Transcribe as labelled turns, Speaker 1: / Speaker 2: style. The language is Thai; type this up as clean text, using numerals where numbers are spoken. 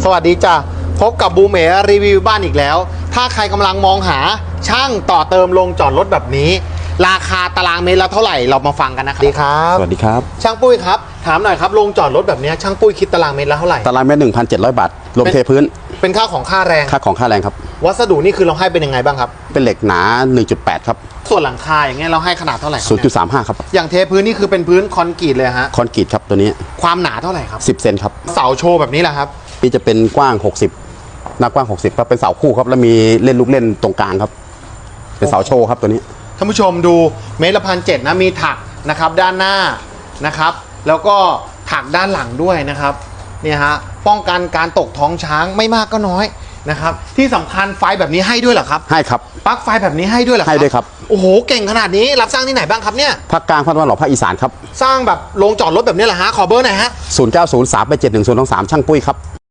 Speaker 1: สวัสดีจ้ะพบกับบูมเอ๋รีวิวบ้านอีกแล้วถ้าใครกำลังมองหาช่างต่อเติมโรงจอดรถแบบนี้ราคาตารางเมตรละเท่าไหร่เรามาฟังกันนะครับ
Speaker 2: สวัสดีครับ
Speaker 1: ช่างปุ้ยครับถามหน่อยครับโรงจอดรถแบบนี้ช่างปุ้ยคิดตารางเมตรละเท่าไหร่
Speaker 2: ตารางเมตร 1,700 บาทรวมเทพื้น
Speaker 1: เป็นค่าของค่าแรง
Speaker 2: ค่าของค่าแรงครับ
Speaker 1: วัสดุนี่คือเราให้เป็นยังไงบ้างครับ
Speaker 2: เป็นเหล็กหนา 1.8 ครับ
Speaker 1: ส่วนหลังคาอย่างเงี้ยเราให้ขนาดเท่าไหร่ครับเนี่ย
Speaker 2: 0.35 ครับ
Speaker 1: อย่างเทพื้นนี่คือเป็นพื้นคอนกรีตเลยฮะ
Speaker 2: คอนกรีตครับตัวนี้
Speaker 1: ความหนาเท่าไหร่ครับ
Speaker 2: 10 เซนครับ
Speaker 1: เสาโชว์แบบนี้แหละครับ
Speaker 2: นี่จะเป็นกว้าง 60 หน้ากว้าง 60ครับเป็นเสาคู่ครับแล้วมีเล่นลูกเล่นตรงกลางครับ เป็นเสาโชว์ครับตัวนี้
Speaker 1: ท่านผู้ชมดูเมตรละ1,700นะมีถักนะครับด้านหน้านะครับแล้วก็ถักด้านหลังด้วยนะครับเนี่ยฮะป้องกันการตกท้องช้างไม่มากก็น้อยนะครับที่สำคัญไฟแบบนี้ให้ด้วยเหรอครับ
Speaker 2: ให้ครับ
Speaker 1: ปลั๊กไฟแบบนี้ให้ด้วยเหรอครับ
Speaker 2: ให้ด้วยครับ
Speaker 1: โอ้โหเก่งขนาดนี้รับสร้างที่ไหนบ้างครับเนี่ย
Speaker 2: ภาคกลางภาคตะวันออกภาคอีสานครับ
Speaker 1: สร้างแบบโรงจอดรถแบบนี้เหรอฮะขอเบอร์หน่อยฮะ
Speaker 2: 0903871023ช่างปุ้ยครับ